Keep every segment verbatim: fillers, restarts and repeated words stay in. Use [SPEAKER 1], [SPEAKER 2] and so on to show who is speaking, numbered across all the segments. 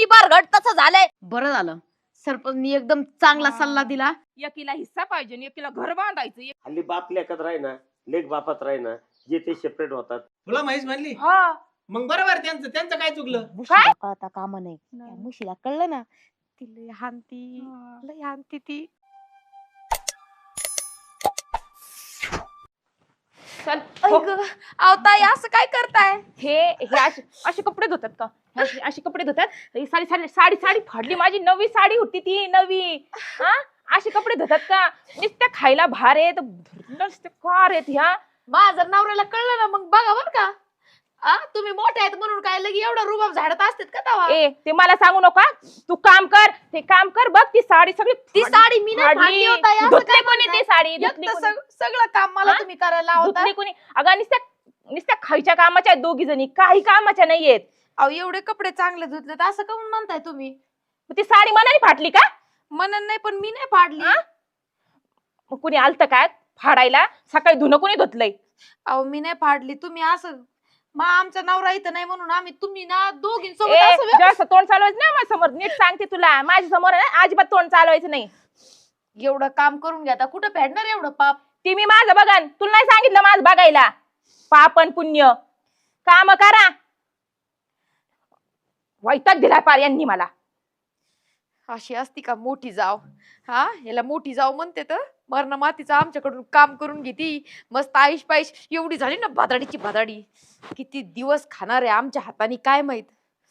[SPEAKER 1] निबार घट तसं झालंय. बरं झालं सरपंचनी एकदम चांगला सल्ला दिला.
[SPEAKER 2] एकीला हिस्सा पाहिजे आणि एकीला घर बांधायचं.
[SPEAKER 3] हल्ली बाप लेखात राही ना, लेख बापात राही ना, जे ते सेपरेट होतात.
[SPEAKER 4] तुला माहीत म्हणली
[SPEAKER 2] हा
[SPEAKER 4] मग बरोबर त्यांचं त्यांचं काय चुकलं.
[SPEAKER 1] म्हशीला कळता कामा नाही. त्या म्हशीला कळलं ना ती लय हानती लय हानती ती.
[SPEAKER 2] चल
[SPEAKER 1] अहो ताई असं काय करताय?
[SPEAKER 2] हे हे असे असे कपडे धुतात का? हे असे असे कपडे धुतात. ही साडी साडी साडी साडी फाडली माझी नवी साडी होती ती नवी. हा असे कपडे धुतात का? नुसत्या खायला भार आहेत नुसते कार आहेत ह्या.
[SPEAKER 1] माझं नवऱ्याला कळलं ना मग बघा बर का. आ तुम्ही मोठे आहेत म्हणून काय लगी एवढा रुबाब झाडत असतात का तवा?
[SPEAKER 2] ए ते मला सांगू नका. तू काम कर ते काम कर बघ ती साडी सगळी
[SPEAKER 1] ती साडी मी नाही फाडली हो ताई, असं
[SPEAKER 2] धुतली
[SPEAKER 1] काय
[SPEAKER 2] कोणी ती साडी धुतली
[SPEAKER 1] एकटं
[SPEAKER 2] कोणी?
[SPEAKER 1] सग- सगळं काम मला
[SPEAKER 2] हा?
[SPEAKER 1] तुम्ही करायला लावता.
[SPEAKER 2] धुतली कोणी? अगं नुसत्या नुसत्या खायच्या कामाच्या आहेत दोघी जणी काही कामाच्या नाहीयेत.
[SPEAKER 1] अहो एवढे कपडे चांगले धुतले तर असं काऊन म्हणताय तुम्ही?
[SPEAKER 2] मग ती साडी मनाने फाटली का?
[SPEAKER 1] म्हणून नाही पण मी नाही फाडली.
[SPEAKER 2] हा? मग कुणी आलत काय फाडायला? सकाळी धुणं कोणी धुतलंय?
[SPEAKER 1] अहो मी नाही फाडली. तुम्ही असं मग आमचा नवरा इथं नाही म्हणून आम्ही तुम्ही ना दोघींसोबत
[SPEAKER 2] ए,
[SPEAKER 1] असं व्य-
[SPEAKER 2] जास्त तोंड चालवायचं नाही माझ्या समोर. नीट सांगते तुला माझ्या समोर आहे ना अजिबात तोंड चालवायचं नाही.
[SPEAKER 1] एवढं काम करून घ्या कुठं फेडणार एवढं पाप?
[SPEAKER 2] ती मी माझं बघन तुला नाही सांगितलं माझं बघायला. पापन पुण्य काम करा. वैताग दिलाय पार यांनी मला.
[SPEAKER 1] अशी असती का मोठी जाव? हा याला मोठी जाव म्हणते तर मरण मातीचं आमच्याकडून काम करून घेती. मस्त आईश पाईश एवढी झाली ना भादाडीची भादाडी. किती दिवस खाणार आहे आमच्या हाताने काय माहित.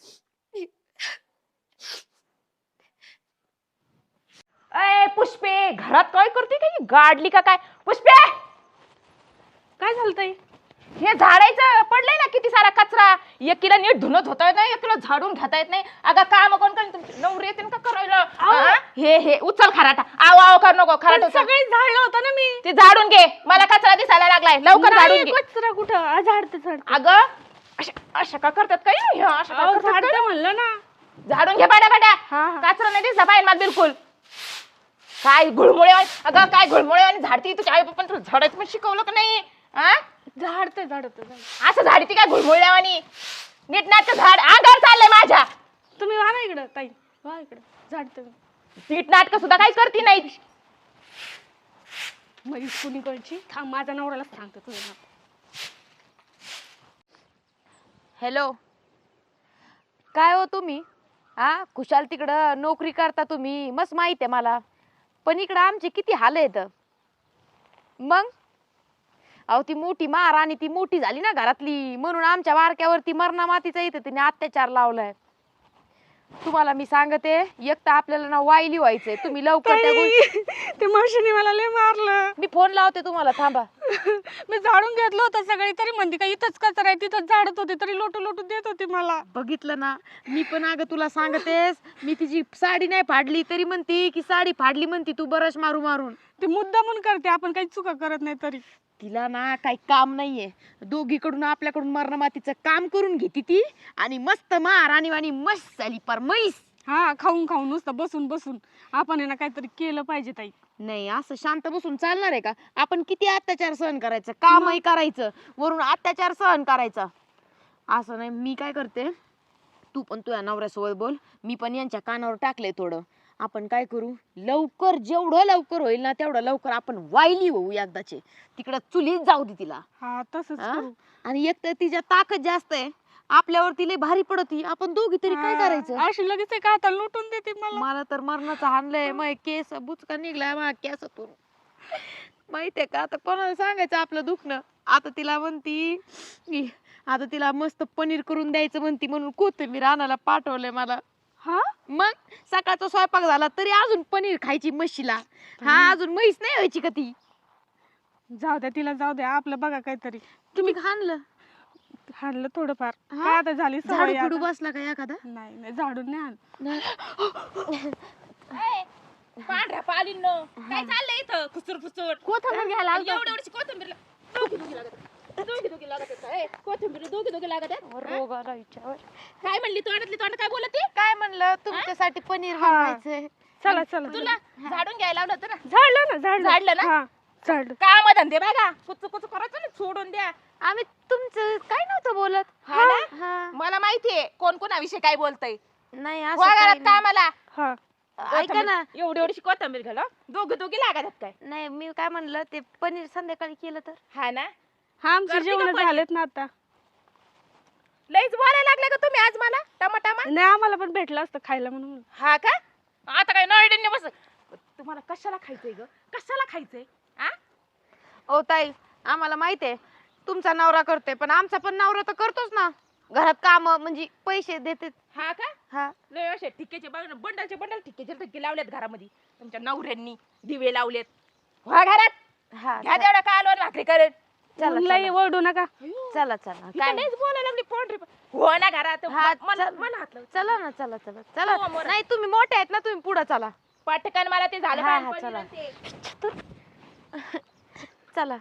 [SPEAKER 2] अय पुष्पे घरात काय करते का ही? गाडली का काय? पुष्पे काय झालतंय? हे झाडायचं पडलंय ना किती सारा कचरा. एकीला नीट धुणत होता येत नाही एकीला झाडून घेता येत नाही. अगं काम कोण करेन तुमची नवरी येते का करायला? हा? हे हे उचल खराटा. आव आव कर नको खराटा.
[SPEAKER 5] सगळी झाडलं होतं ना मी.
[SPEAKER 2] ते झाडून घे मला कचरा दिसायला लागलाय लवकर झाडून घे.
[SPEAKER 5] कचरा कुठं झाडते झाडते.
[SPEAKER 2] अगं अशा अशा का करतात काय ह्या? अशा का करतात काय?
[SPEAKER 5] झाडते म्हणलं ना.
[SPEAKER 2] झाडून घे पाड्या पाड्या.
[SPEAKER 5] हा हा.
[SPEAKER 2] कचरा नाही दिसला पाहिजे मला बिलकुल. काय घुळमुळे अगं काय घुळमुळे आणि झाडती तुझ्या आई बापान तुला झाडायचं पण शिकवलं का नाही? हा
[SPEAKER 5] झाडते झाडते झाडते.
[SPEAKER 2] असं झाडती काय घुळमुळ्यावानी? नीट नाटक झाड आगार चाललंय माझ्या.
[SPEAKER 5] तुम्ही वा ना इकडं ताई वा इकडं झाडते.
[SPEAKER 2] नीट नाटक सुद्धा काही करती नाही.
[SPEAKER 5] माझी कुणीकडची थांब माझ्या नवऱ्याला सांगते तुझं नाव.
[SPEAKER 1] हॅलो काय हो तुम्ही? हा खुशाल तिकडं नोकरी करता तुम्ही मस्त माहित आहे मला. पण इकडं आमचे किती हाल आहेत. मग अहो ती मोठी मार आणि ती मोठी झाली ना घरातली म्हणून आमच्या बारक्यावरती मरणा मातीचा इथं तिने अत्याचार लावलाय. तुम्हाला मी सांगते एक तर आपल्याला ना वाईली व्हायचंय. तुम्ही लवकर त्या गोष्टी.
[SPEAKER 5] ते मावशीने मला लय मारलं.
[SPEAKER 1] मी फोन लावते तुम्हाला थांबा.
[SPEAKER 5] मी झाडून घेतलं होतं सगळी तरी म्हणते का इथंच कचरा आहे तिथंच झाडत होते तरी लोटू लोटू देत होती मला.
[SPEAKER 1] बघितलं ना मी पण अगं तुला सांगतेस मी तिची साडी नाही फाडली तरी म्हणती की साडी फाडली म्हणती तू बरस मारू मारून.
[SPEAKER 5] ते मुद्दा म्हणून करते आपण काही चुका करत नाही तरी.
[SPEAKER 1] तिला ना काही काम नाहीये. दोघीकडून आपल्याकडून मरण मातीचं काम करून घेती ती आणि मस्त मार आणि वाणी मस्त झाली पर म्हैस.
[SPEAKER 5] हा खाऊन खाऊन नुसतं बसून बसून आपण आहे ना काहीतरी केलं पाहिजे ताई.
[SPEAKER 1] नाही असं शांत बसून चालणार आहे का? आपण किती अत्याचार सहन करायचं कामही करायचं वरून अत्याचार सहन करायचा असं नाही. मी काय करते तू पण तुझ्या नवऱ्यासोबत बोल. मी पण यांच्या कानावर टाकलंय थोडं. आपण काय करू लवकर जेवढं लवकर होईल ना तेवढं लवकर आपण वाईली होऊ एकदाचे. तिकडं चुलीत जाऊ दे तिला.
[SPEAKER 5] हा तसंच
[SPEAKER 1] हा?
[SPEAKER 5] करू.
[SPEAKER 1] आणि एक तर तिच्या ताकद जास्त आहे आपल्यावरती लय भारी पडती. आपण दोघी तरी काय
[SPEAKER 5] हा,
[SPEAKER 1] करायचं?
[SPEAKER 5] अशी लगेच एका हाताला लुटून देते मला.
[SPEAKER 1] मला तर मरणाचं हाणलंय. मग केस बुचका निघलाय मग केसातून माहितीये का? आता कोणाला सांगायचं आपलं दुखणं? आता तिला म्हणती की आता तिला मस्त पनीर करून द्यायचं म्हणती म्हणून कोथिंबीर आणायला पाठवलंय मला.
[SPEAKER 5] हा
[SPEAKER 1] मग सकाळचा स्वयंपाक झाला तरी अजून पनीर खायची म्हशीला. हा अजून म्हैस नाही व्हायची का ती?
[SPEAKER 5] जाऊ द्या तिला जाऊ द्या आपलं बघा काहीतरी.
[SPEAKER 1] तुम्ही खाणलं
[SPEAKER 5] हाणलं थोडंफार.
[SPEAKER 1] हा?
[SPEAKER 5] काय आता झाली
[SPEAKER 1] झाडू
[SPEAKER 5] सवय
[SPEAKER 1] फिडू
[SPEAKER 5] आता.
[SPEAKER 1] बसला का एखादा?
[SPEAKER 5] नाही नाही झाडून नाही आण.
[SPEAKER 2] पांढऱ्या पालीन काय चाललंय इथं खुसूर फुसूर?
[SPEAKER 1] कोथिंबीर घ्यायला आलतो.
[SPEAKER 2] एवढी एवढी कोथिंबीर दोघी दोघी लागत आहेत. दोघी दोघी लागत आहेत. ए, कोथिंबीर दोघी दोघी लागत आहेत. हा?
[SPEAKER 1] रोग आला हिच्यावर.
[SPEAKER 2] काय म्हणली तोंडातली तोंड काय बोलत ती?
[SPEAKER 1] काय म्हणलं तुमच्यासाठी पनीर
[SPEAKER 5] हा.
[SPEAKER 1] बनवायचंय.
[SPEAKER 5] चला चला
[SPEAKER 2] तुला झाडून घ्यायला लावलं होतं ना.
[SPEAKER 5] झाडलं ना झाडलं
[SPEAKER 2] झाडलं ना?
[SPEAKER 5] हा झाडलं.
[SPEAKER 2] काम धंदे बघा कुच कुच करायचं ना सोडून द्या.
[SPEAKER 1] आम्ही तुमचं काय नव्हतं बोलत.
[SPEAKER 2] हा ना?
[SPEAKER 1] हा.
[SPEAKER 2] मला माहितीये कोण कोणाविषयी काय बोलतय.
[SPEAKER 1] नाही असं
[SPEAKER 2] वा
[SPEAKER 1] काही
[SPEAKER 2] घरात
[SPEAKER 1] नाही.
[SPEAKER 2] कामाला.
[SPEAKER 5] हा
[SPEAKER 1] ऐका ना
[SPEAKER 2] एवढी एवढी कोथंबीर घाल दोघं दोघी लागत काय.
[SPEAKER 1] नाही मी काय म्हणलं ते पनीर संध्याकाळी केलं तर
[SPEAKER 2] हा ना
[SPEAKER 5] हा आमचे
[SPEAKER 2] करते का
[SPEAKER 5] जेवण
[SPEAKER 2] पनीर?
[SPEAKER 5] झालेत ना आता.
[SPEAKER 2] लईच बोलायला लागले का तुम्ही आज मला टमाटामा.
[SPEAKER 5] नाही आम्हाला पण भेटलं असतं खायला म्हणून.
[SPEAKER 2] हा का आता काय नळड्यांनी बस तुम्हाला कशाला खायचंय ग कशाला खायचंय आ
[SPEAKER 1] ओ ताई आम्हाला माहिती आहे तुमचा नवरा करतोय पण आमचा पण नवरा तर करतोच ना घरात काम म्हणजे पैसे देते.
[SPEAKER 2] हा का
[SPEAKER 1] हा
[SPEAKER 2] लय असे ठिक्केचे बघ ना बंडलचे बंडल ठिक्केचे ठिक्के लावलेत घरामध्ये तुमच्या नवऱ्यांनी दिवे लावलेत. वा घरात
[SPEAKER 1] हा
[SPEAKER 2] घ्या तेवढा कालवर भाकरी करेल.
[SPEAKER 1] चला,
[SPEAKER 5] मग लई
[SPEAKER 1] चला.
[SPEAKER 5] ओरडू नका.
[SPEAKER 1] चला चला
[SPEAKER 2] काय
[SPEAKER 1] काय
[SPEAKER 2] नाहीच बोलायला लागली पोंढरी हो ना घरात
[SPEAKER 1] हा,
[SPEAKER 2] म- मला
[SPEAKER 1] चल.
[SPEAKER 2] मला हात लाव.
[SPEAKER 1] चला ना चला चला
[SPEAKER 2] हो,
[SPEAKER 1] चला
[SPEAKER 2] मोरा.
[SPEAKER 1] नाही तुम्ही मोठे आहेत ना तुम्ही पुढे चला
[SPEAKER 2] पटकन मला ते झालं
[SPEAKER 1] हा,
[SPEAKER 2] पाहिजे
[SPEAKER 1] हा,
[SPEAKER 2] पनीर
[SPEAKER 1] चला.
[SPEAKER 2] आणि ते.
[SPEAKER 1] चला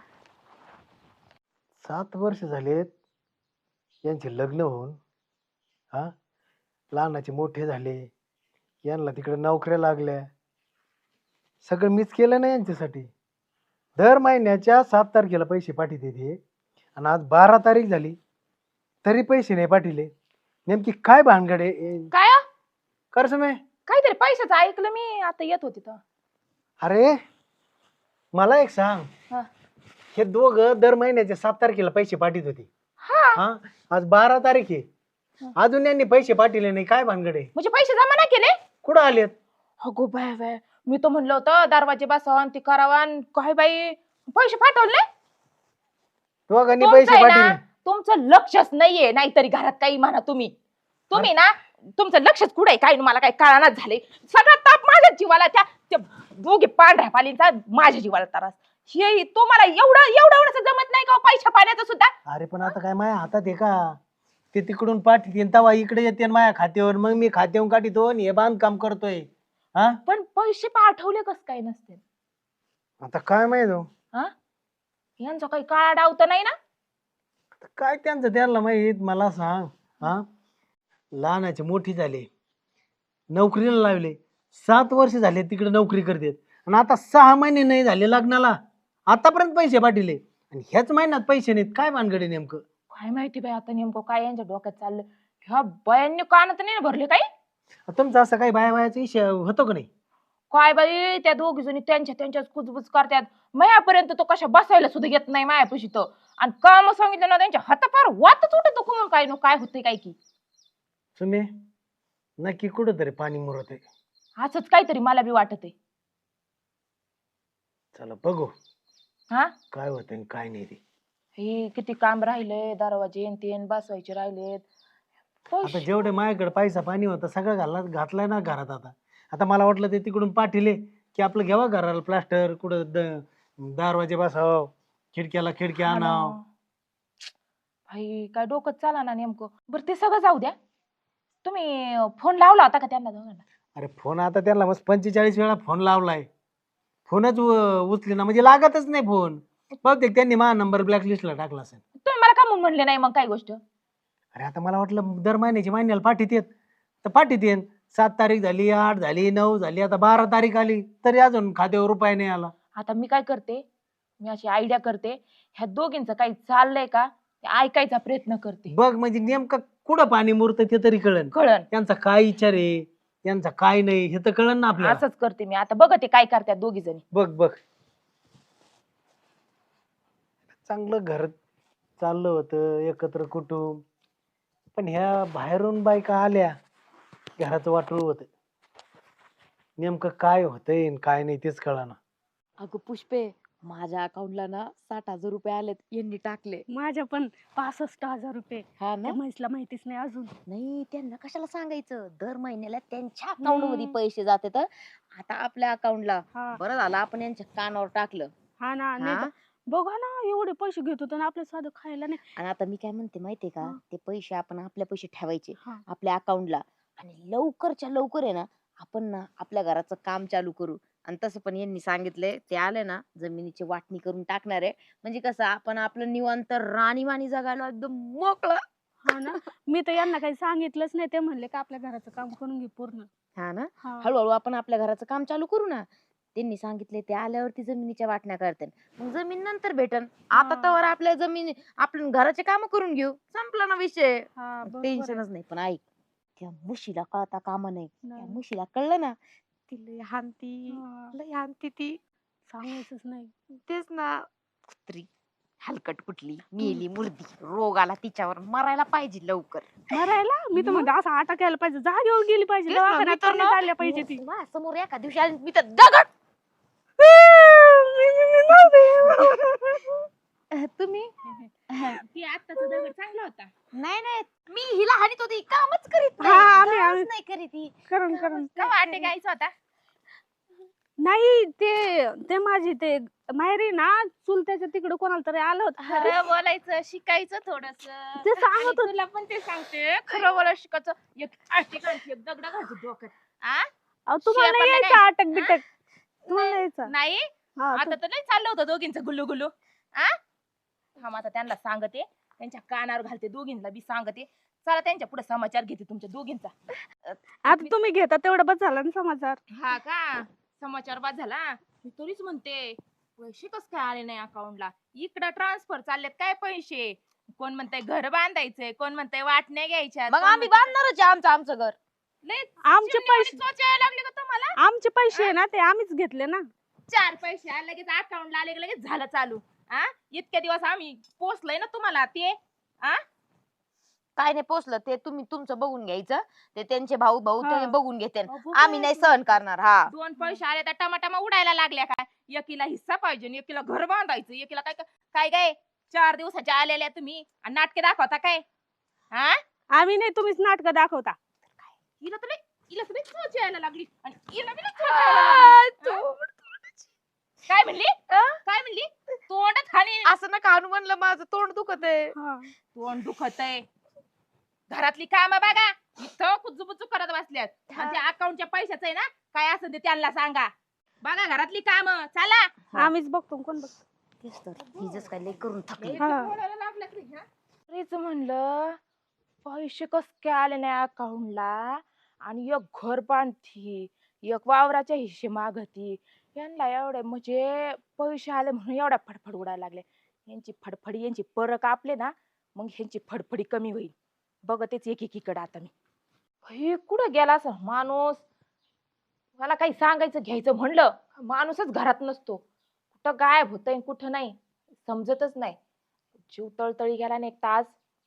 [SPEAKER 6] सात वर्ष झालेत यांचे लग्न होऊन. हा लहानाचे मोठे झाले यांना तिकडे नोकऱ्या लागल्या. सगळं मीच केलं ना यांच्यासाठी. दर महिन्याच्या सात तारखेला पैसे पाठवते ते आणि आज बारा तारीख झाली तरी पैसे नाही पाठवले. नेमकी काय भानगड आहे
[SPEAKER 2] काय हो?
[SPEAKER 6] कर समय.
[SPEAKER 2] काहीतरी पैशाचं ऐकलं मी आता येत होती तर
[SPEAKER 6] अरे मला एक सांग
[SPEAKER 2] हा.
[SPEAKER 6] हे दोघं दर महिन्याच्या सात तारखेला पैसे पाठवत होते.
[SPEAKER 2] हा
[SPEAKER 6] हा आज बारा तारीख आहे अजून यांनी पैसे पाठवले नाही. काय भानगड आहे
[SPEAKER 2] म्हणजे पैसे जमा नाही केले.
[SPEAKER 6] कुठं आलेत.
[SPEAKER 2] अगो बाय बाय मी तर म्हणलं होतं दरवाजे बसवा ते करावा आणि काय बाई पैसे पाठवले.
[SPEAKER 6] दोघांनी
[SPEAKER 2] तुमचं
[SPEAKER 6] पैसे
[SPEAKER 2] आहे ना,
[SPEAKER 6] पाठवले.
[SPEAKER 2] तुमचं लक्षच नाहीये नाहीतरी घरात काही म्हणा तुम्ही तुम्ही ना तुमचं लक्षच कुठे काय मला काही कळानाच झाले. सगळा ताप माझ्या जीवाला त्या त्या दोघे पांढऱ्या पालींचा माझ्या जीवाला त्रास. हे तुम्हाला एवढं एवढं एवढंच जमत नाही का हो पैशा पाण्याचं सुद्धा.
[SPEAKER 6] अरे पण आता काय माझ्या हातात आहे का. ते तिकडून पाठवते तवा इकडे येते माझ्या खात्यावर मग मी खात्यावरून काढतो आणि हे बांधकाम करतोय. हा
[SPEAKER 2] पण पैसे पाठवले कस काय नसते.
[SPEAKER 6] आता काय माहित हो.
[SPEAKER 2] हा यांचा काही काळा डाव तर नाही ना.
[SPEAKER 6] आता काय त्यांचं त्यांना माहित. मला सांग हा लहानाचे मोठी झाले नोकरीला लावले सात वर्ष झाले तिकडे नोकरी करतात आणि आता सहा महिने नाही झाले लग्नाला आतापर्यंत पैसे पाठवले आणि ह्याच महिन्यात पैसे नाहीत. काय भानगड आहे नेमकं.
[SPEAKER 2] काय माहिती बाई आता नेमकं काय यांच्या डोक्यात चाललं. ह्या बायांनी कानात नाही ना भरले काही.
[SPEAKER 6] तुमचं असं काही बाया बायाचा विषय होतो का नाही.
[SPEAKER 2] काय बाई त्या दोघी जणी त्यांच्या त्यांच्याच कुजबुज करतात. मायापर्यंत तो कशा बसायला सुद्धा येत नाही मायापाशी तो. आणि काम सांगितलं ना त्यांच्या हातापार वातच उठत कुमून काय नो काय होतंय काय की.
[SPEAKER 6] तुम्ही नक्की कुठं तरी पाणी मुरत आहे.
[SPEAKER 2] असंच काहीतरी मला बी वाटत आहे.
[SPEAKER 6] चला बघू
[SPEAKER 2] हा
[SPEAKER 6] काय होतं आणि काय नाही ते.
[SPEAKER 2] हे किती काम राहिले दरवाजे न तेन बसवायचे राहिलेत.
[SPEAKER 6] आता जेवढे माझ्याकडे पैसा पाणी होता सगळं घालला घातलाय ना घरात. आता आता मला वाटलं ते तिकडून पाठवले की आपलं घ्यावा घराला प्लास्टर कुठं द- दरवाजे बसाव खिडक्याला खिडक्या
[SPEAKER 2] हा ना.
[SPEAKER 6] आणाव.
[SPEAKER 2] भाई काय डोकं चाला ना नेमकं. बरं ते सगळं जाऊ द्या. तुम्ही फोन लावला होता का त्यांना दोघांना.
[SPEAKER 6] अरे फोन आता त्याला मस्त पंचेचाळीस वेळा फोन लावलाय. फोनच उ- उचले ना म्हणजे लागतच नाही फोन. बहुतेक त्यांनी माझा नंबर ब्लॅकलिस्टला टाकला असेल.
[SPEAKER 2] तुम्ही मला का म्हणून म्हणले नाही मग काय गोष्ट.
[SPEAKER 6] अरे आता मला वाटलं दर महिन्याची महिन्याला पाठीत तर पाठीत सात तारीख झाली आठ झाली नऊ झाली आता बारा तारीख आली तरी अजून खात्यावर रुपये नाही आला.
[SPEAKER 2] आता मी काय करते मी अशी आयडिया करते ह्या दोघींचं काही चाललंय का ते ऐकायचा प्रयत्न करते.
[SPEAKER 6] बघ म्हणजे नेमकं कुठं पाणी मुरतं ते तरी कळन.
[SPEAKER 2] कळण
[SPEAKER 6] त्यांचा काय विचार आहे त्यांचा काय नाही हे तर कळन ना आपल्याला.
[SPEAKER 2] असंच करते मी आता बघते काय करतात दोघी जणी.
[SPEAKER 6] बघ बघ चांगलं घर चाललं होतं एकत्र कुटुंब पण ह्या बाहेरून बायका आल्या घराचं वाटोळं होतं. नेमकं काय होतंय आणि काय नाही तेच कळाना.
[SPEAKER 1] अगं पुष्पे माझ्या अकाउंटला ना साठ हजार रुपये आलेत यांनी टाकले.
[SPEAKER 5] माझ्या पण पासष्ट हजार रुपये.
[SPEAKER 1] हा ना
[SPEAKER 5] त्या म्हैसला माहितीच नाही अजून.
[SPEAKER 1] नाही त्यांना कशाला सांगायचं दर महिन्याला त्यांच्या अकाउंट मध्ये पैसे जाते तर आता आपल्या अकाउंटला.
[SPEAKER 5] हा
[SPEAKER 1] बरं झालं आपण यांच्या कानावर टाकलं.
[SPEAKER 5] हा ना नाही
[SPEAKER 1] हा?
[SPEAKER 5] तर बघा ना एवढे पैसे घेत होतो ना आपल्या साधं खायला नाही.
[SPEAKER 1] आणि आता मी काय म्हणते माहितीये का
[SPEAKER 5] हा.
[SPEAKER 1] ते पैसे आपण आपल्या पैसे ठेवायचे
[SPEAKER 5] हा.
[SPEAKER 1] आपल्या अकाउंटला आणि लवकरच्या लवकर आहे ना आपण ना आपल्या घराचं काम चालू करू. आणि तसं पण यांनी सांगितलंय ते आले ना जमिनीची वाटणी करून टाकणार आहे म्हणजे कसं आपण आपलं निवांत राणीवाणी जगायला एकदम मोकळं.
[SPEAKER 5] हा ना मी तर यांना काही सांगितलंच नाही. ते म्हणले का आपल्या घराचं काम करून घे पूर्ण.
[SPEAKER 1] हा ना
[SPEAKER 5] हा.
[SPEAKER 1] हळूहळू आपण आपल्या घराचं काम चालू करू ना. त्यांनी सांगितले ते आल्यावरती जमिनीच्या वाटण्या करते मग जमीन नंतर भेटन. आता
[SPEAKER 5] हा.
[SPEAKER 1] तर आपल्या जमिनी आपण घराचे काम करून घेऊ संपला ना विषय.
[SPEAKER 5] हा, बरोबर आहे.
[SPEAKER 1] टेन्शनच नाही पण ऐक त्या मुशीला कळता कामा नाही. त्या
[SPEAKER 5] नाही.
[SPEAKER 1] मुशीला कळलं ना ती लय हानती
[SPEAKER 5] हा,
[SPEAKER 1] लय हानती ती.
[SPEAKER 5] सांगायचंच नाही.
[SPEAKER 1] तेच ना कुत्री हलकट कुठली मेली मुर्दी रोग आला तिच्यावर मरायला पाहिजे लवकर.
[SPEAKER 5] मरायला मी तर म्हणते असं आटा केला पाहिजे, जागेवर गेली पाहिजे,
[SPEAKER 1] तेच ना, मी
[SPEAKER 5] दवाखान्यात
[SPEAKER 1] तर
[SPEAKER 5] तर
[SPEAKER 1] ना-
[SPEAKER 5] नाही चालल्या पाहिजे ती.
[SPEAKER 1] माझ्या समोर एका दिवशी आली मी तर दगड. अह, तुम्ही
[SPEAKER 2] ती आत्ताचा दगड चांगला होता.
[SPEAKER 1] नाही नाही मी हिला हानीत होती कामच करीत
[SPEAKER 5] हा, आम्ही-
[SPEAKER 1] कामच
[SPEAKER 5] आम्ही-
[SPEAKER 1] नाही करीत ही.
[SPEAKER 5] करण करण
[SPEAKER 2] का वाटे गायचा होता?
[SPEAKER 5] नाही ते ते माझी ते माहेरी ना चुलत्याच्या तिकडे कोणाला तरी आलं होतं.
[SPEAKER 2] खरं बोलायचं शिकायचं थोडस.
[SPEAKER 5] ते सांगत होते.
[SPEAKER 2] तुला पण ते सांगते खरं बोलायचं शिकायचं. एक आटे घालते एक दगड घालते डोक्यात. आ?
[SPEAKER 5] अहो, तुम्हाला नाही
[SPEAKER 2] शेपाला
[SPEAKER 5] यायचं
[SPEAKER 2] काय?
[SPEAKER 5] अटक बिटक, तुम्हाला नाही यायचं.
[SPEAKER 2] नाही
[SPEAKER 5] हा,
[SPEAKER 2] आता तर नाही चाललं होतं दोघींचं गुल्लू गुल्लू. आ हा आता त्यांना सांगते, त्यांच्या कानावर घालते, दोघींना बी सांगते. चला त्यांच्या पुढे समाचार घेते तुमच्या दोघींचा.
[SPEAKER 5] आता तुम्ही घेता तेवढं बस झालं ना समाचार.
[SPEAKER 2] हा का समाचार बाद झाला. मी तरीच म्हणते पैसे कस काय आले नाही अकाउंटला. इकडं ट्रान्सफर चाललेत काय पैसे. कोण म्हणतंय घर बांधायचंय, कोण म्हणतंय वाटण्या घ्यायच्या.
[SPEAKER 1] मग आम्ही बांधणारच आहे आमचं आमचं घर.
[SPEAKER 5] आमचे पैसे
[SPEAKER 2] यायला लागले का तुम्हाला.
[SPEAKER 5] आमचे पैसे आहे ना ते आम्हीच घेतले ना.
[SPEAKER 2] चार पैसे आले लगेच अकाउंटला आले की लगेच झालं चालू. आ इतक्या दिवस आम्ही पोचलोय ना तुम्हाला ते. आ
[SPEAKER 1] काय नाही पोचलं ते तुम्ही तुमचं बघून घ्यायचं. ते त्यांचे भाऊ भाऊ
[SPEAKER 5] हा.
[SPEAKER 1] ते बघून घेते.
[SPEAKER 2] अगो
[SPEAKER 1] आम्ही नाही सहन करणार. हा
[SPEAKER 2] दोन पैसे आले तर टमाटमा उडायला लागल्या काय. एकीला हिस्सा पाहिजे आणि एकीला घर बांधायचं. एकीला काय काय काय चार दिवसाच्या आलेल्या तुम्ही आणि नाटके दाखवता काय. हा
[SPEAKER 5] आम्ही नाही, तुम्हीच नाटक दाखवता.
[SPEAKER 2] हिला तर लई- हिला तर लई चोच यायला लागली आणि हिला बी लई चोच यायला लागली. काय म्हणली काय म्हणली तोंडात खाली
[SPEAKER 1] असं नका आणू म्हणलं माझं तोंड दुखत आहे.
[SPEAKER 5] हा.
[SPEAKER 2] तोंड दुखत आहे. घरातली कामं बघा इथं कुजबुजू करत बसल्यात. आणि त्या अकाउंटच्या पैशाचं आहे ना काय असं ते त्यांना सांगा. बघा घरातली कामं चला.
[SPEAKER 5] आम्हीच बघतो, कोण बघतो.
[SPEAKER 1] तेच तर हिजच काय लय करून थकली.
[SPEAKER 5] हा.
[SPEAKER 2] बोलायला लागल्या तरी, हा? तरीच म्हणलं पैसे कस काय आले नाही अकाउंटला आणि एक घर बांधती एक वावराच्या हिस्से मागती. यांना एवढे म्हणजे पैसे आले म्हणून एवढ्या फडफड उडायला लागले. यांची फडफडी यांची पर कापले ना मग ह्यांची फडफडी कमी होईल. बघतेच एक एकीकडे आता मी. हे कुठं गेला असं माणूस. मला काही सांगायचं घ्यायचं म्हणलं माणूसच घरात नसतो. कुठं गायब होतंय कुठं नाही समजतच नाही. जीव तळतळी गेला ना एक तास.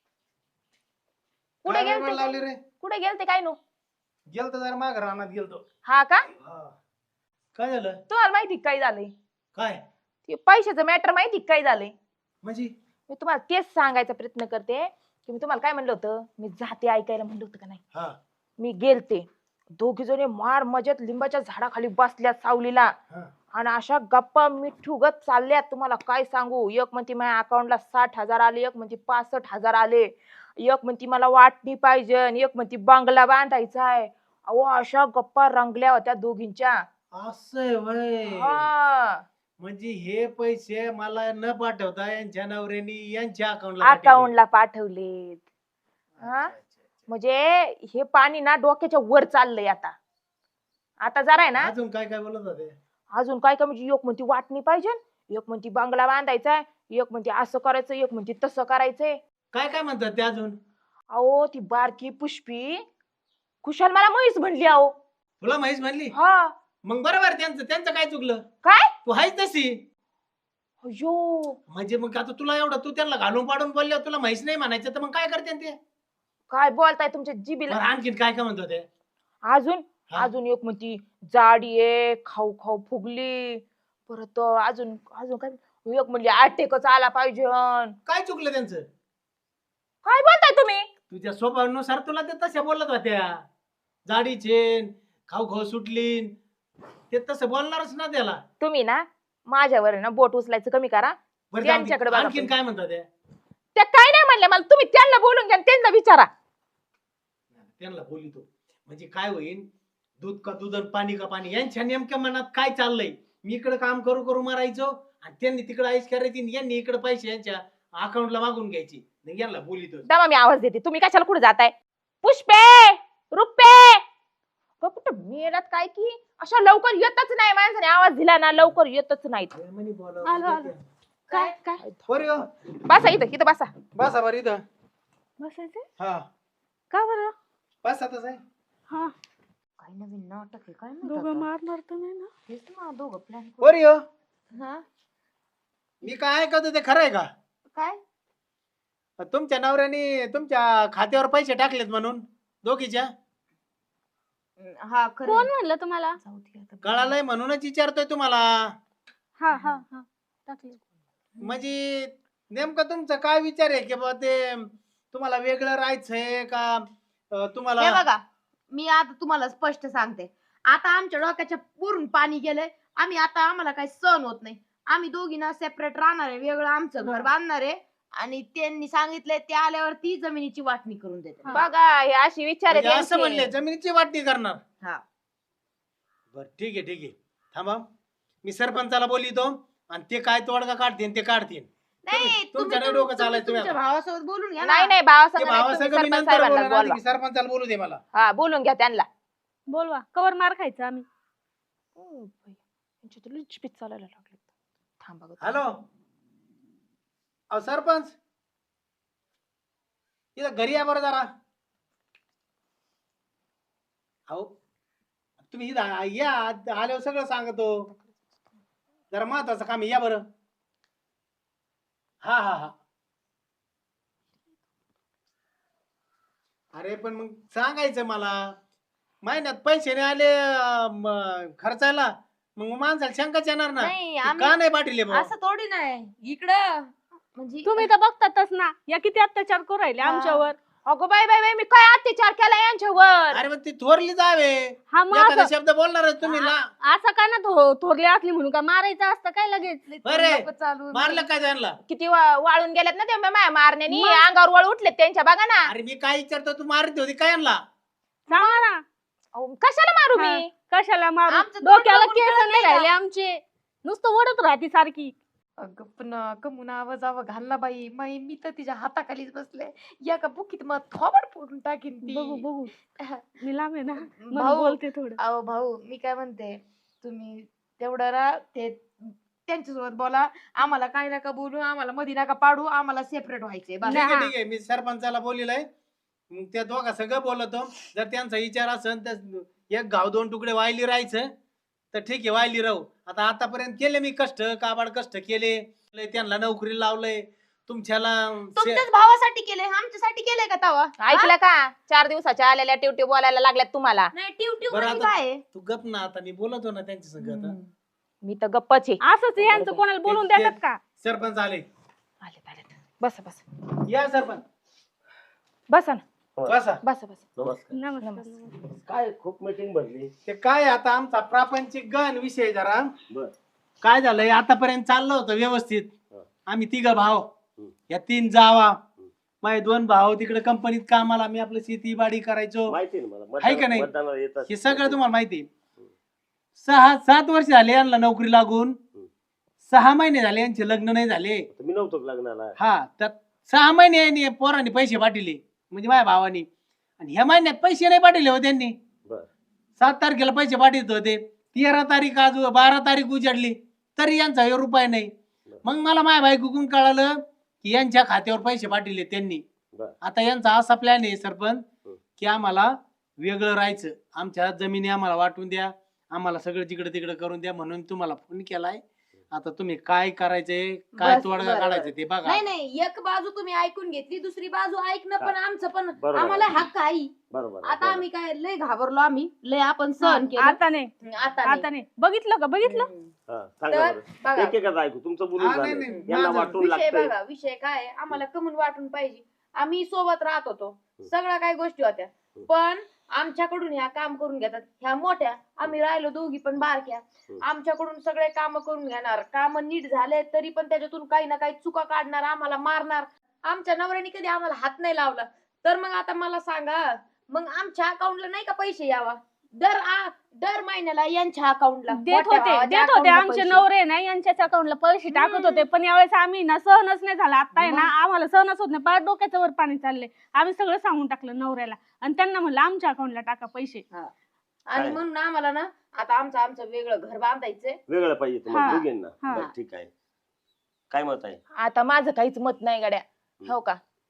[SPEAKER 2] कुठे
[SPEAKER 6] काय वेळ लावली
[SPEAKER 2] गेलते
[SPEAKER 6] रे?
[SPEAKER 2] कुठे गेलते काय नो.
[SPEAKER 6] गेलतो जरा माग रानात गेलतो.
[SPEAKER 2] हा का
[SPEAKER 4] काय झालं
[SPEAKER 2] तुम्हाला माहिती काय झालंय.
[SPEAKER 4] काय
[SPEAKER 2] ते पैशाचं मॅटर माहिती काय झालंय.
[SPEAKER 4] म्हणजे
[SPEAKER 2] मी तुम्हाला तेच सांगायचा प्रयत्न करते की मी तुम्हाला काय म्हणलं होतं. मी जाते ऐकायला म्हणलं होतं का नाही.
[SPEAKER 4] हा
[SPEAKER 2] मी गेलते दोघी जणी मार मजेत लिंबाच्या झाडाखाली बसल्यात सावलीला
[SPEAKER 4] हा.
[SPEAKER 2] आणि अशा गप्पा मिठूगत चालल्यात. तुम्हाला काय सांगू. एक म्हणती माझ्या अकाउंटला साठ हजार आले, एक म्हणती पासष्ट हजार आले, एक म्हणती मला वाटणी पाहिजे आणि एक म्हणती बंगला बांधायचा आहे. अहो अशा गप्पा रंगल्या होत्या दोघींच्या.
[SPEAKER 4] असं वय
[SPEAKER 2] हा
[SPEAKER 4] म्हणजे हे पैसे मला न पाठवता यांच्या नवऱ्यानी यांच्या अकाउंटला
[SPEAKER 2] अकाउंटला पाठवलेत. हा म्हणजे हे पाणी ना डोक्याच्या वर चाललंय आता. आता जरा आहे ना
[SPEAKER 4] अजून काय काय बोलत होते.
[SPEAKER 2] अजून काय काय म्हणजे एक म्हणती वाटणी पाहिजे, एक म्हणती बंगला बांधायचा, एक म्हणती असं करायचं, एक म्हणती तसं करायचंय.
[SPEAKER 4] काय काय म्हणतात ते अजून.
[SPEAKER 2] अहो ती बारकी पुष्पी खुशाल मला म्हैस म्हणली. अहो
[SPEAKER 4] तुला म्हैस म्हणली.
[SPEAKER 2] हा
[SPEAKER 4] मग बरोबर त्यांचं त्यांचं काय चुकलं.
[SPEAKER 2] काय
[SPEAKER 4] तू हायच तशी.
[SPEAKER 2] अयो
[SPEAKER 4] म्हणजे मग आता तुला एवढं तू त्यांना घालून पाडून बोलल्यावर तुला म्हैस नाही म्हणायचं तर मग काय करते ते.
[SPEAKER 2] काय बोलताय तुमच्या जिबीला.
[SPEAKER 4] बरं, आणखीन काय काय म्हणत होते.
[SPEAKER 2] अजून
[SPEAKER 4] हा?
[SPEAKER 2] अजून एक म्हणती जाडी आहे खाऊ खाऊ फुगली. परत अजून अजून काय एक म्हणली आटेकच आला पाहिजे.
[SPEAKER 4] काय चुकलं त्यांचं.
[SPEAKER 2] काय बोलताय तुम्ही.
[SPEAKER 4] तुझ्या स्वभावानुसार तुला ते तशा बोलत होत्या. जाडीचे खाऊ खाऊ सुटली ते तसं बोलणारच ना त्याला.
[SPEAKER 2] तुम्ही ना माझ्यावर आहे ना बोट उचलायचं कमी करा.
[SPEAKER 4] बरं,
[SPEAKER 2] त्यांच्याकडे बघा
[SPEAKER 4] आणखीन
[SPEAKER 2] तुम्ही.
[SPEAKER 4] काय म्हणतात त्या.
[SPEAKER 2] त्या काय नाही म्हणल्या मला. तुम्ही त्यांना बोलून घ्या आणि त्यांना विचारा.
[SPEAKER 4] त्यांना बोलितो म्हणजे काय होईल. दूध का दूध आणि पाणी का पाणी यांच्या नेमक्या मनात काय चाललंय. मी इकडे काम करू करू मारायचो आणि त्यांनी तिकडे आईस करायची आणि यांनी इकडे पैसे यांच्या अकाउंटला मागून घ्यायची. नाही यांना बोलितो.
[SPEAKER 2] दमा मी आवाज देते. तुम्ही कशाला कुठे जाताय. पुष्पे रुपे कुठं मेलात काय की अशा लवकर येतच नाही. माणसाने आवाज दिला ना लवकर येतच नाहीत.
[SPEAKER 5] आलो, आलो. काय काय
[SPEAKER 2] बसा इथं इथं बसा.
[SPEAKER 6] बसा बरं इथं.
[SPEAKER 5] बसायचं
[SPEAKER 6] हा
[SPEAKER 5] का बरं.
[SPEAKER 4] बस आताच आहे.
[SPEAKER 5] हा
[SPEAKER 1] काय नवीन नाटक आहे काय
[SPEAKER 5] दोघं
[SPEAKER 1] माहित आता.
[SPEAKER 5] मारणार तर नाही ना?
[SPEAKER 1] तेच ना दोघं प्लॅन
[SPEAKER 4] पोरी हो,
[SPEAKER 1] हा
[SPEAKER 4] मी काय ऐकतो ते खरं आहे का?
[SPEAKER 1] काय
[SPEAKER 4] तुमच्या नवऱ्याने तुमच्या खात्यावर पैसे टाकलेत म्हणून दोघीच्या
[SPEAKER 1] हा खरं
[SPEAKER 5] कोण
[SPEAKER 1] आहे.
[SPEAKER 5] म्हणलं तुम्हाला?
[SPEAKER 1] जाऊ दे आता.
[SPEAKER 4] कळालंय म्हणूनच विचारतोय तुम्हाला.
[SPEAKER 5] हा हा हा टाकले.
[SPEAKER 4] म्हणजे नेमकं तुमचा काय विचार आहे की बाबा ते तुम्हाला वेगळं राहायचंय का अं,
[SPEAKER 1] हे
[SPEAKER 4] तुम्हाला
[SPEAKER 1] बघा मी आता तुम्हाला स्पष्ट सांगते. आता आमच्या डोक्याच्या पूर्ण पाणी गेलंय. आम्ही आता आम्हाला काही सहन होत नाही. आम्ही दोघी ना सेपरेट राहणार आहे. वेगळं आमचं घर बांधणार आहे आणि त्यांनी सांगितलंय ते आल्यावर ती जमिनीची वाटणी करून देते.
[SPEAKER 2] बघा हे अशी विचार
[SPEAKER 4] म्हणजे
[SPEAKER 2] आहेत
[SPEAKER 4] असं म्हणले
[SPEAKER 2] यांचे.
[SPEAKER 4] जमिनीची वाटणी करणार?
[SPEAKER 1] हा
[SPEAKER 4] बर ठीक आहे ठीक आहे थांबा, मी सरपंचाला बोलितो आणि ते काय तोडगा काढतील ते काढतील.
[SPEAKER 1] नाही
[SPEAKER 4] तुम्ही-
[SPEAKER 1] तुम्ही
[SPEAKER 4] तुमच्या नाही
[SPEAKER 1] तुम-
[SPEAKER 4] डोकं चालायचं
[SPEAKER 1] तुम्ही तुमच्या
[SPEAKER 4] तुम्ही आता.
[SPEAKER 1] भावासोबत बोलून घ्या ना.
[SPEAKER 2] नाही नाही भावा
[SPEAKER 4] ते
[SPEAKER 2] संग
[SPEAKER 4] भावासंग मी नंतर
[SPEAKER 2] साहेबांना
[SPEAKER 4] बोलणार, आधी
[SPEAKER 2] बोलवा.
[SPEAKER 4] मी सरपंचाला बोलू दे मला.
[SPEAKER 2] हा बोलून घ्या त्यांना.
[SPEAKER 5] बोलवा कवर मार खायचं आम्ही.
[SPEAKER 2] चालायला लागले थांबा गं.
[SPEAKER 4] हॅलो अहो सरपंच, इथं घरी या बरं जरा. अहो तुम्ही इथं या, आल्यावर सगळं सांगतो. जरा महत्वाचं काम आहे, या बरं. हा हा हा अरे पण मग सांगायचं मला. महिन्यात पैसे नाही आले अं, म, खर्चायला मग माणसाला शंकाच येणार ना.
[SPEAKER 1] नाही
[SPEAKER 4] ते
[SPEAKER 1] आम्ही
[SPEAKER 4] का नाही पाठीले भाऊ?
[SPEAKER 1] असं थोडी नाही इकडं म्हणजे
[SPEAKER 5] तुम्ही तर बघतातच ना या किती अत्याचार करू राहिले
[SPEAKER 1] हा.
[SPEAKER 5] आमच्यावर.
[SPEAKER 2] अगो बाई बाई बाई मी काय अत्याचार केला यांच्यावर.
[SPEAKER 4] अरे मग ती थोरली जावे,
[SPEAKER 5] हा मग
[SPEAKER 4] एखादा
[SPEAKER 5] असं
[SPEAKER 4] शब्द बोलणारच तुम्ही ना.
[SPEAKER 5] असं काय ना थो थोरले असली म्हणून का मारायचं असतं काय लगेच?
[SPEAKER 4] अरे,
[SPEAKER 1] नको चालू
[SPEAKER 4] मारलं काय त्यांना?
[SPEAKER 2] किती वा- वाळून गेल्यात ना ते माया मारण्यानी.
[SPEAKER 5] मग?
[SPEAKER 2] अंगावर वळ उठलेत त्यांच्या बघा ना.
[SPEAKER 4] अरे मी काय विचारतो, तू मारत होती काय यांना?
[SPEAKER 5] सांगा ना
[SPEAKER 2] अहो, कशाला मारू
[SPEAKER 5] हा.
[SPEAKER 2] मी.
[SPEAKER 5] कशाला मारू?
[SPEAKER 1] आमचं तोंड
[SPEAKER 5] डोक्याला
[SPEAKER 1] बघून
[SPEAKER 5] केस
[SPEAKER 1] कळत
[SPEAKER 5] नाही
[SPEAKER 1] नाही का?
[SPEAKER 5] राहिले आमचे, नुसतं ओढत राहते सारखी.
[SPEAKER 1] अगं पण कमून आवाज आवा घालला बाई माई. मी तर तिच्या हाताखालीच बसले. या का बुकीत मग थोबड फोडून टाकीन ती.
[SPEAKER 5] बघू बघू मी लांब आहे ना मग
[SPEAKER 1] भाऊ
[SPEAKER 5] बोलते थोडं.
[SPEAKER 1] अहो भाऊ मी काय म्हणते तुम्ही तेवढं रा ते त्यांच्यासोबत बोला. आम्हाला काय नका बोलू, आम्हाला मध्ये नका पाडू, आम्हाला सेपरेट व्हायचंय बस.
[SPEAKER 4] ठीक आहे
[SPEAKER 5] हा.
[SPEAKER 4] ठीक आहे, मी सरपंचाला बोलिलंय. मग त्या दोघा सगळं बोलतो. जर त्यांचा विचार असेल तर एक गाव दोन तुकडे वायली राहायचं तर ठीक आहे, वायली राहू. आता आतापर्यंत केले मी कष्ट, काबाड कष्ट केले. लय त्यांना नोकरी लावलंय. तुमच्याला शे-
[SPEAKER 1] तुमच्याच भावासाठी केलंय, आमच्यासाठी केलंय का तवा?
[SPEAKER 2] ऐकलं का? चार दिवसाच्या आलेल्या टिवटी बोलायला लागल्यात तुम्हाला.
[SPEAKER 1] नाही ट्यूब ट्यूब
[SPEAKER 4] बरं
[SPEAKER 1] म्हणजे
[SPEAKER 4] आता-
[SPEAKER 1] काय आहे?
[SPEAKER 4] तू गप ना, आता मी बोलतो ना त्यांच्या संग आता.
[SPEAKER 1] हम्म.
[SPEAKER 2] मी तर गप्पच आहे.
[SPEAKER 5] असंच यांचं कोणाला बोलून
[SPEAKER 4] ते-
[SPEAKER 5] देतात का?
[SPEAKER 4] सरपंच आले.
[SPEAKER 2] आलेत आलेत. बसा बसा
[SPEAKER 4] या सरपंच,
[SPEAKER 2] बसा ना.
[SPEAKER 4] बसा.
[SPEAKER 2] बसा बसा.
[SPEAKER 3] नमस्कार.
[SPEAKER 5] नमस्कार
[SPEAKER 2] नमस्कार.
[SPEAKER 5] नमस्कार.
[SPEAKER 3] काय खूप मीटिंग भरली.
[SPEAKER 4] ते काय आता आमचा प्रापंचिक गण विषय जरा
[SPEAKER 3] बर
[SPEAKER 4] काय झालंय, आतापर्यंत चाललं होतं व्यवस्थित.
[SPEAKER 3] हा.
[SPEAKER 4] आम्ही तिघ भाव,
[SPEAKER 3] हम्म.
[SPEAKER 4] या तीन जावा, माझे दोन भाऊ तिकडे कंपनीत कामाला, मी आपलं शेती बाडी करायचो.
[SPEAKER 3] माहिती आहे ना मला.
[SPEAKER 4] आहे का नाही?
[SPEAKER 3] मतदान- मतदानाला येतात.
[SPEAKER 4] हे सगळं तुम्हाला माहिती आहे. सहा सात वर्ष झाले यांना नोकरी लागून. सहा महिने झाले यांचे लग्न नाही झाले.
[SPEAKER 3] मी नव्हतो का लग्नाला.
[SPEAKER 4] हा तर सहा महिने यांनी पोरांनी पैसे पाठवले, म्हणजे माझ्या भावानी. आणि ह्या महिन्यात पैसे नाही पाठवले हो त्यांनी.
[SPEAKER 3] बर
[SPEAKER 4] सात तारखेला पैसे पाठवत होते, तेरा तारीख आज बारा तारीख उजाडली तरी यांचा एक रुपया नाही. मग मला माझ्या बायकोकडून कळालं की यांच्या खात्यावर पैसे पाठवले त्यांनी.
[SPEAKER 3] बर
[SPEAKER 4] आता यांचा असा प्लॅन आहे सरपंच
[SPEAKER 3] हं.
[SPEAKER 4] की आम्हाला वेगळं राहायचं, आमच्या जमिनी आम्हाला वाटून द्या, आम्हाला सगळं जिकडे तिकडे करून द्या म्हणून तुम्हाला फोन केलाय. आता तुम्ही काय करायचंय, काय
[SPEAKER 1] बस,
[SPEAKER 4] तोडगा
[SPEAKER 1] बरं,
[SPEAKER 4] काढायचं
[SPEAKER 1] बरं.
[SPEAKER 4] ते बघा.
[SPEAKER 1] नाही नाही एक बाजू तुम्ही ऐकून घेतली, दुसरी बाजू ऐकणं पण आमचं पण
[SPEAKER 3] बरोबर.
[SPEAKER 1] आम्हाला हक्क आहे.
[SPEAKER 3] बरोबर
[SPEAKER 1] आता आम्ही काय लय घाबरलो, आम्ही लय आपण सहन केलं.
[SPEAKER 5] आता नाही
[SPEAKER 1] आता
[SPEAKER 5] आता
[SPEAKER 1] नाही.
[SPEAKER 5] नाही. बघितलं का बघितलं?
[SPEAKER 1] हम्म.
[SPEAKER 3] हा, सांगा
[SPEAKER 1] तर
[SPEAKER 3] बरं.
[SPEAKER 1] बघा
[SPEAKER 3] एक एकच ऐकू तुमचं बोलून
[SPEAKER 4] हा, नाही,
[SPEAKER 3] झालं.
[SPEAKER 4] नाही,
[SPEAKER 3] यांना
[SPEAKER 4] माझं
[SPEAKER 3] वाटून
[SPEAKER 1] विषय
[SPEAKER 3] लागतंय.
[SPEAKER 1] बघा विषय काय आहे, आम्हाला कमून वाटून पाहिजे. आम्ही सोबत राहत होतो, सगळ्या काही गोष्टी होत्या, पण आमच्याकडून ह्या काम करून घेतात ह्या मोठ्या. आम्ही राहिलो दोघी पण बारक्या. आमच्याकडून सगळे काम करून घेणार, काम नीट झाले तरी पण त्याच्यातून काही ना काही चुका काढणार, आम्हाला मारणार. आमच्या नवऱ्याने कधी आम्हाला हात नाही लावला. तर मग आता मला सांगा, मग आमच्या अकाउंटला नाही का पैसे यावा दर आ- दर महिन्याला यांच्या अकाउंटला
[SPEAKER 5] देत होते देत होते आमचे नवरे ना यांच्याच अकाउंटला पैसे टाकत होते. पण यावेळेस आम्ही ना सहनच नाही झाला. आता आहे ना आम्हाला सहनच होत नाही. पार डोक्याचं वर पाणी चाललंय. आम्ही सगळं सांगून टाकलं नवऱ्याला आणि त्यांना म्हणलं आमच्या अकाउंटला टाका पैसे.
[SPEAKER 1] आणि
[SPEAKER 3] काय?
[SPEAKER 1] म्हणून आम्हाला ना आता आमचं आमचं वेगळं घर बांधायचंय.
[SPEAKER 3] वेगळं पाहिजे
[SPEAKER 5] हा,
[SPEAKER 3] तुम्हाला दोघींना.
[SPEAKER 5] हा.
[SPEAKER 3] बरं ठीक आहे. काय मत आहे?
[SPEAKER 2] आता माझं काहीच मत नाही गड्या. हो का?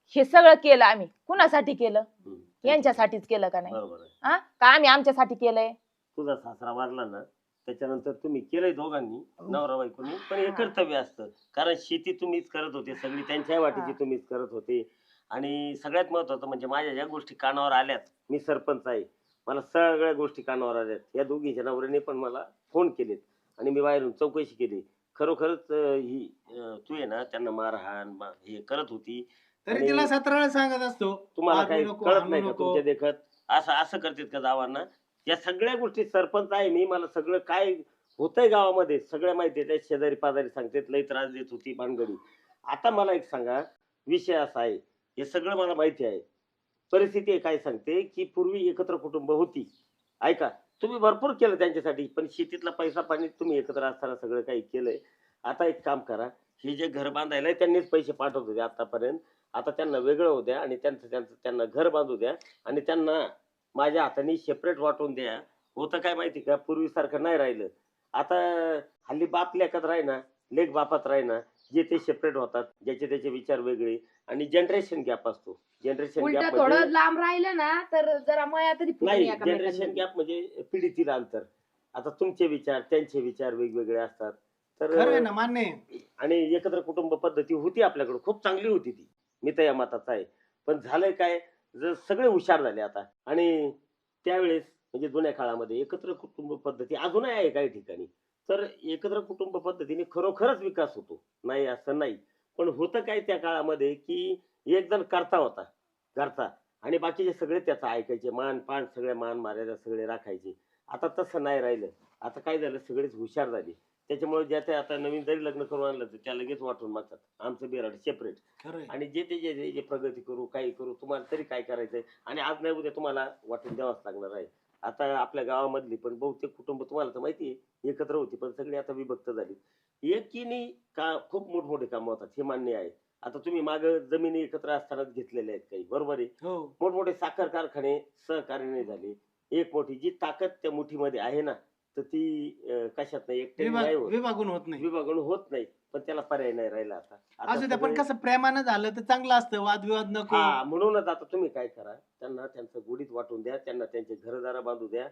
[SPEAKER 2] हे सगळं केलं आम्ही कुणासाठी केलं
[SPEAKER 3] हम्म.
[SPEAKER 2] यांच्यासाठीच केलं का नाही
[SPEAKER 3] बरोबर आहे.
[SPEAKER 2] हा का आम्ही आमच्यासाठी केलंय
[SPEAKER 3] तुझा सासरा वारला ना त्याच्यानंतर तुम्ही केलंय दोघांनी नवरा बायकोनी, पण हे कर्तव्य असतं. कारण शेती तुम्हीच करत होते सगळी, त्यांच्या वाटीची
[SPEAKER 2] हा.
[SPEAKER 3] तुम्हीच करत होते. आणि सगळ्यात महत्वाचं म्हणजे माझ्या ज्या गोष्टी कानावर आल्यात, मी सरपंच आहे, मला सगळ्या गोष्टी कानावर आल्यात. या दोघीच्या नवऱ्याने पण मला फोन केलेत आणि मी बाहेरून चौकशी केली. खरोखरच अं, ही अं, तू आहे ना त्यांना मारहाण मा- हे करत होती.
[SPEAKER 4] तरी
[SPEAKER 3] आणि
[SPEAKER 4] तिला सतरा वेळा सांगत असतो
[SPEAKER 3] तुम्हाला
[SPEAKER 4] मारू
[SPEAKER 3] काही
[SPEAKER 4] नको,
[SPEAKER 3] कळत
[SPEAKER 4] हाणू
[SPEAKER 3] नाही का
[SPEAKER 4] नको.
[SPEAKER 3] तुमच्या देखत असं असं करतात का गावांना? या सगळ्या गोष्टी सरपंच आहे मी, मला सगळं काय होतंय गावामध्ये सगळं माहिती आहे. त्या शेजारी पाजारी सांगतात लई त्रास देत होती भानगडी. आता मला एक सांगा, विषय असा आहे, हे सगळं मला माहिती आहे. परिस्थिती आहे काय सांगते की पूर्वी एकत्र कुटुंब होती. ऐका, तुम्ही भरपूर केलं त्यांच्यासाठी, पण शेतीतला पैसा पाणी तुम्ही एकत्र असताना सगळं काही केलंय. आता एक काम करा, हे जे घर बांधायला त्यांनीच पैसे पाठवत होते आतापर्यंत, आता त्यांना वेगळं होऊ द्या आणि त्यांचं त्यांचं त्यांना घर बांधू द्या आणि त्यांना माझ्या हाताने सेपरेट वाटून द्या. होतं काय माहिती का, पूर्वीसारखं नाही राहिलं. आता हल्ली बाप लेखात राहीना, लेख बापात राहीना, जे ते सेपरेट होतात, ज्याचे त्याचे विचार वेगळे आणि जनरेशन गॅप असतो. जनरेशन
[SPEAKER 1] उलट
[SPEAKER 3] गॅप
[SPEAKER 1] थोडं
[SPEAKER 3] म्हणजे
[SPEAKER 1] लांब राहिलं ना तर जरा मया तरी फुटून
[SPEAKER 3] नाही,
[SPEAKER 1] एकामेकांमध्ये.
[SPEAKER 3] जनरेशन गॅप म्हणजे पिढीतील अंतर. आता तुमचे विचार त्यांचे विचार वेगवेगळे असतात.
[SPEAKER 4] खरं आहे
[SPEAKER 3] तर
[SPEAKER 4] ना, मान्य आहे.
[SPEAKER 3] आणि एकत्र कुटुंब पद्धती होती आपल्याकडे, खूप चांगली होती ती, मी तर या मताचा आहे. पण झालंय काय, जर सगळे हुशार झाले आता. आणि त्यावेळेस म्हणजे जुन्या काळामध्ये एकत्र कुटुंब पद्धती अजूनही आहे काही ठिकाणी. तर एकत्र कुटुंब पद्धतीने खरोखरच विकास होतो, नाही असं नाही. पण होतं काय त्या काळामध्ये की एक जण करता होता घरचा आणि बाकीचे सगळे त्याचा ऐकायचे, मान पान सगळे मान मर्यादा सगळे राखायचे. आता तसं नाही राहिलं. आता काय झालं, सगळेच हुशार झाले. त्याच्यामुळे ज्या त्या आता नवीन जरी लग्न करून आणलं तर त्या लगेच वाटून मागतात आमचं बिराड सेपरेट.
[SPEAKER 4] खरं आहे.
[SPEAKER 3] आणि जे ते जे जे- जे प्रगती करू काही करू, तुम्हाला तरी काय करायचंय आणि आज नाही उद्या तुम्हाला वाटून द्यावाच लागणार आहे. आता आपल्या गावामधली पण बहुतेक कुटुंब तुम्हाला तर माहिती आहे एकत्र होती, पण सगळी आता विभक्त झाली. एकीने का खूप मोठमोठे कामं होतात हे मान्य आहे. आता तुम्ही माग जमिनी एकत्र असतानाच घेतलेल्या आहेत काही, बरोबर आहे.
[SPEAKER 4] हो.
[SPEAKER 3] मोठमोठे साखर कारखाने सहकार्याने झाले. एक मोठी जी ताकद त्या मुठीमध्ये आहे ना, तर ती अं, कशात नाही एकट्याने नाही
[SPEAKER 4] विभाग
[SPEAKER 3] होत,
[SPEAKER 4] विभागून होत नाही.
[SPEAKER 3] विभागून होत नाही. पण त्याला पर्याय नाही राहिला आता. आता
[SPEAKER 4] असू द्या, पण
[SPEAKER 3] सगळे-
[SPEAKER 4] कसं प्रेमानं झालं तर चांगलं असतं, वादविवाद नको.
[SPEAKER 3] हा, म्हणूनच आता तुम्ही काय करा, त्यांना त्यांचं गुढीत वाटून द्या, त्यांना त्यांचे घरदारा बांधू द्या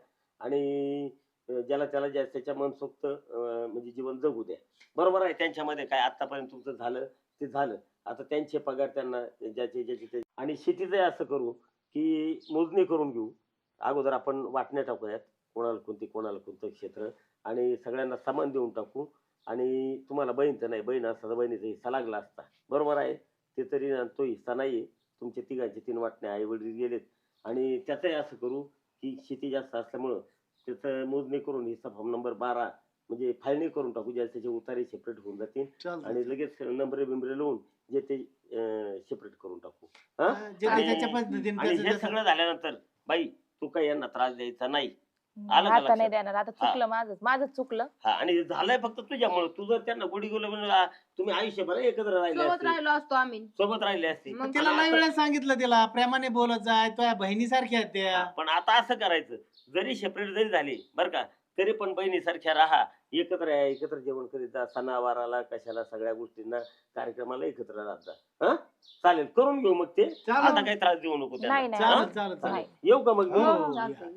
[SPEAKER 3] आणि अं, ज्याला त्याला ज्या त्याच्या मनसोक्त अं, म्हणजे जीवन जगू द्या. बरोबर आहे. त्यांच्यामध्ये काय आतापर्यंत तुमचं झालं ते झालं. आता त्यांचे पगार त्यांना ज्याचे ज्याचे ते आणि शेतीचं असं करू की मोजणी करून घेऊ. अगोदर आपण वाटण्या टाकूयात, कोणाला कोणती कोणाला कोणतं क्षेत्र, आणि सगळ्यांना समान देऊन टाकू. आणि तुम्हाला बहीण तर नाही, बहीण असता तर बहिणीचा हिस्सा लागला असता, बरोबर आहे. ते तरी ना, तो हिस्सा नाहीये. तुमचे तिघांचे तीन वाटण्या आई वडील गेलेत आणि त्याचंही असं करू की शेती जास्त असल्यामुळं त्याचं मोजणी करून हिस्सा फॉर्म नंबर बारा म्हणजे फाळणी करून टाकू, ज्या त्याचे उतारे सेपरेट होऊन जातील
[SPEAKER 4] चालतं.
[SPEAKER 3] आणि लगेच नंबरे बिंबरे लावून जे ते सेपरेट करून टाकू. हा?
[SPEAKER 4] हा, जे
[SPEAKER 3] आणि-
[SPEAKER 4] त्याच्या पद्धतीने
[SPEAKER 3] आणि
[SPEAKER 4] त्याचं
[SPEAKER 3] हे
[SPEAKER 4] त्याचं-
[SPEAKER 3] सगळं झाल्यानंतर बाई तू काही यांना त्रास द्यायचा नाही. आलं का
[SPEAKER 2] आता नाही
[SPEAKER 3] लक्षात?
[SPEAKER 2] देणार, आता चुकलं माझं माझं चुकलं.
[SPEAKER 3] हा, आणि झालंय फक्त तुझ्यामुळे. तू जर त्यांना गोडी गुलाब तुम्ही आयुष्यभर एकत्र राहिले
[SPEAKER 1] सोबत
[SPEAKER 3] असते,
[SPEAKER 1] राहिलो असतो आम्ही.
[SPEAKER 3] सोबत राहिले असते.
[SPEAKER 1] मग
[SPEAKER 4] तिला
[SPEAKER 3] आणि
[SPEAKER 4] लय
[SPEAKER 3] आता-
[SPEAKER 4] वेळा सांगितलं, तिला प्रेमाने बोलत जाय, तुझ्या बहिणीसारख्या आहेत त्या.
[SPEAKER 3] हा, पण आता असं करायचं, जरी सेपरेट जरी झाली बरं का, तरी पण बहिणीसारख्या राहा, एकत्र या, एकत्र जेवण करीत जा, सणावाराला कशाला सगळ्या गोष्टींना कार्यक्रमाला एकत्र राहत जा. हा, चालेल, करून घेऊ मग ते.
[SPEAKER 4] चालेल.
[SPEAKER 3] आता काही त्रास देऊ नको त्यांना.
[SPEAKER 2] नाही नाही
[SPEAKER 3] हा?
[SPEAKER 4] चालेल चालेल चालेल.
[SPEAKER 2] नाही.
[SPEAKER 3] येऊ का मग मी?
[SPEAKER 4] हो.
[SPEAKER 1] हो, चालतंय.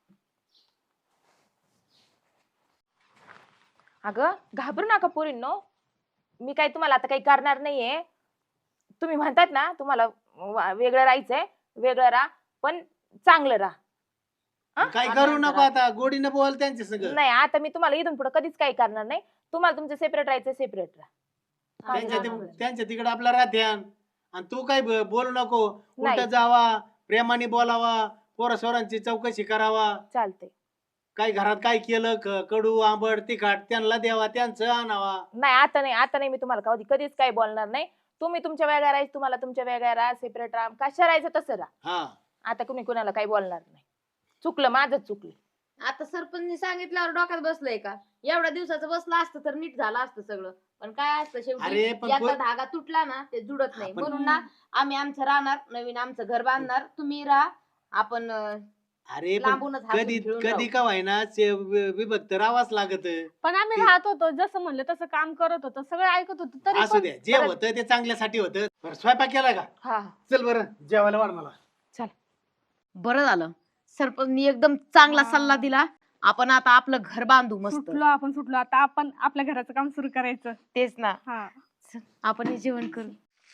[SPEAKER 2] अगं घाबरू नका पोरींनो, मी काही तुम्हाला आता काही करणार नाहीये. तुम्ही म्हणतात ना तुम्हाला वा- वेगळं राहायचंय, वेगळं राहा, पण चांगलं राहा. हा?
[SPEAKER 4] काय करू नको आता, गोडीनं बोल त्यांचे सगळं.
[SPEAKER 2] नाही, आता मी तुम्हाला इथून पुढे कधीच काही करणार नाही. तुम्हाला तुमचं सेपरेट राहायचं सेपरेट राहा.
[SPEAKER 4] त्यांच्या
[SPEAKER 1] हा,
[SPEAKER 4] ते- त्यांच्या तिकडे आपला राहत्यान आणि तू काय ब- बोलू नको. उलट
[SPEAKER 2] नाही.
[SPEAKER 4] जावा, प्रेमाने बोलावा, पोरा सोरांची चौकशी करावा.
[SPEAKER 2] चालते.
[SPEAKER 4] काय घरात काय केलं, क- कडू आंबट तिखट त्यांना द्यावा, त्यांचं आणावा.
[SPEAKER 2] नाही, आता नाही, आता नाही, मी तुम्हाला कधी कधीच काही बोलणार नाही. तुम्ही तुमच्या वेगळ्या राहायचं, तुम्हाला तुमच्या वेगळ्या राहा, सेपरेट राहा, कशा राहायचं तसं राहा.
[SPEAKER 4] हा,
[SPEAKER 2] आता कुणी कुणाला काही बोलणार नाही. चुकलं माझं, चुकलं.
[SPEAKER 1] आता सरपंचनी सांगितल्यावर डोक्यात बसलंय का? एवढ्या दिवसाचं बसलं असतं तर नीट झालं असतं सगळं. पण काय असतं शेवटी
[SPEAKER 4] अरे, पण
[SPEAKER 1] याचा
[SPEAKER 4] पो-
[SPEAKER 1] धागा तुटला ना ते जुडत नाही.
[SPEAKER 4] आपण-
[SPEAKER 1] म्हणून ना आम्ही आमचं राहणार, नवीन आमचं घर बांधणार, तुम्ही राहा. आपण अं,
[SPEAKER 4] अरे पण
[SPEAKER 1] लांबूनच हसून
[SPEAKER 4] कधी
[SPEAKER 1] खेळून
[SPEAKER 4] कधी
[SPEAKER 1] राहू.
[SPEAKER 4] का व्हायना ते वि- विभक्त राहावंच लागत
[SPEAKER 5] पण आम्ही
[SPEAKER 4] ते-
[SPEAKER 5] राहत होतो जसं म्हणलं तसं काम करत होतो सगळं ऐकत होतो तरी
[SPEAKER 4] असू
[SPEAKER 5] पण
[SPEAKER 4] द्या जे होतं ते चांगल्यासाठी होतं. बरं स्वयंपाक केला का?
[SPEAKER 1] हा
[SPEAKER 4] चल बरं जेवायला वाढ मला.
[SPEAKER 1] बरं झालं सरपंचनी एकदम चांगला
[SPEAKER 5] हा.
[SPEAKER 1] सल्ला दिला. आपण आता आपलं घर बांधू मस्त.
[SPEAKER 5] सुटलो आपण सुटलो आता आपण आपल्या घराचं काम सुरू करायचं.
[SPEAKER 1] तेच ना.
[SPEAKER 5] हा
[SPEAKER 1] चल, आपण हे जेवण करू.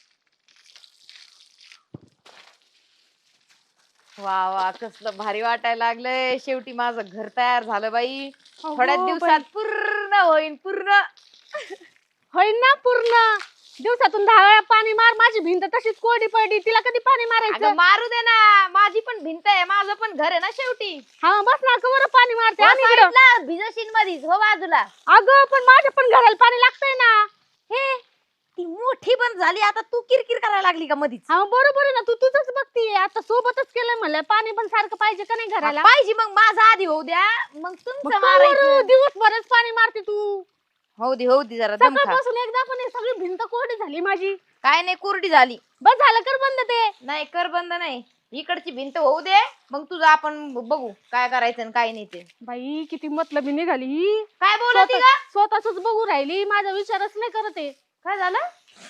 [SPEAKER 1] वा वा कसलं भारी वाटायला लागलंय. शेवटी माझं घर तयार झालं बाई. थोड्या
[SPEAKER 5] अगो
[SPEAKER 1] दिवसात
[SPEAKER 5] बाई.
[SPEAKER 1] पूर्ण होईन पूर्ण.
[SPEAKER 5] होईल ना पूर्ण. दिवसातून दहा वेळा पाणी मार माझी भिंत तशीच कोरडी पडली तिला कधी पाणी
[SPEAKER 1] अगं
[SPEAKER 5] मारायचं.
[SPEAKER 1] मारू दे ना. माझी पण भिंत आहे. माझं पण घर आहे ना शेवटी.
[SPEAKER 5] हा बस ना कवर पाणी मारते
[SPEAKER 1] त्या
[SPEAKER 5] आणि इकडं.
[SPEAKER 1] साईडला भिजशील मधीच हो बाजूला.
[SPEAKER 5] अगं पण माझ्या पण घराला पाणी लागतंय ना.
[SPEAKER 1] हे ती मोठी पण झाली आता तू किरकिर करायला लागली का मधीच?
[SPEAKER 5] हा बरोबर आहे ना तू तुझंच बघतीये आता सोबतच केलंय म्हणलं पाणी पण सारखं पाहिजे का नाही घराला.
[SPEAKER 1] पाहिजे मग माझा आधी होऊ द्या मग
[SPEAKER 5] मग
[SPEAKER 1] तुमचं
[SPEAKER 5] कवर
[SPEAKER 1] मारायचं.
[SPEAKER 5] दिवसभरच पाणी मारते तू.
[SPEAKER 1] होऊ दे होऊ दे जरा दम खा.
[SPEAKER 5] सकाळपासून एकदा पण ही सगळी भिंत कोरडी झाली माझी.
[SPEAKER 1] काय नाही कोरडी झाली.
[SPEAKER 5] बस झालं कर बंद ते.
[SPEAKER 1] नाही कर बंद नाही. इकडची भिंत होऊ दे मग तुझं आपण बघू काय करायचं आणि काय नाही ते.
[SPEAKER 5] बाई किती मतलबी निघाली ही.
[SPEAKER 1] काय बोलती का?
[SPEAKER 5] स्वतःच बघू राहिली माझा विचारच नाही करत आहे.
[SPEAKER 1] काय झालं?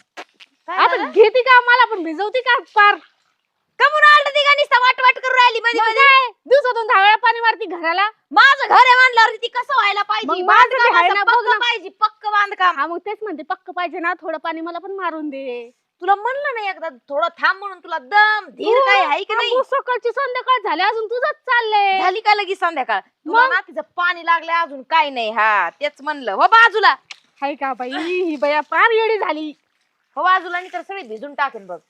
[SPEAKER 1] काय
[SPEAKER 5] आता
[SPEAKER 1] झालं?
[SPEAKER 5] घेती का मला पण भिजवती का पार.
[SPEAKER 1] कमून आलं ती का नुसतं वाट वाट करून राहिली मध्ये
[SPEAKER 5] मग
[SPEAKER 1] मध्ये.
[SPEAKER 5] काय दिवसातून दहा वेळा पाणी मारती घराला.
[SPEAKER 1] माझं घर आहे म्हणल्यावर ती कसं व्हायला पाहिजे?
[SPEAKER 5] मग माझं बी आहे
[SPEAKER 1] बांधकाम
[SPEAKER 5] ना,
[SPEAKER 1] असं
[SPEAKER 5] बघ
[SPEAKER 1] पक्क
[SPEAKER 5] ना.
[SPEAKER 1] पाहिजे पक्क बांधकाम.
[SPEAKER 5] हा मग तेच म्हणते पक्क पाहिजे ना थोडं पाणी मला पण मारून दे.
[SPEAKER 1] तुला म्हणलं नाही एकदा थोडं थांब म्हणून तुला दम धीर काय आहे की नाही?
[SPEAKER 5] अगो, सकाळची संध्याकाळ झाली अजून तुझंच चाललंय.
[SPEAKER 1] झाली का लगेच संध्याकाळ? तुला
[SPEAKER 5] मग?
[SPEAKER 1] ना तिचं पाणी लागलंय अजून काय नाही. हा तेच म्हणलं हो बाजूला.
[SPEAKER 5] हाय का बाई ही बया पार येडी झाली.
[SPEAKER 1] हो बाजूला नाही तर सगळी भिजून टाकेन बघ.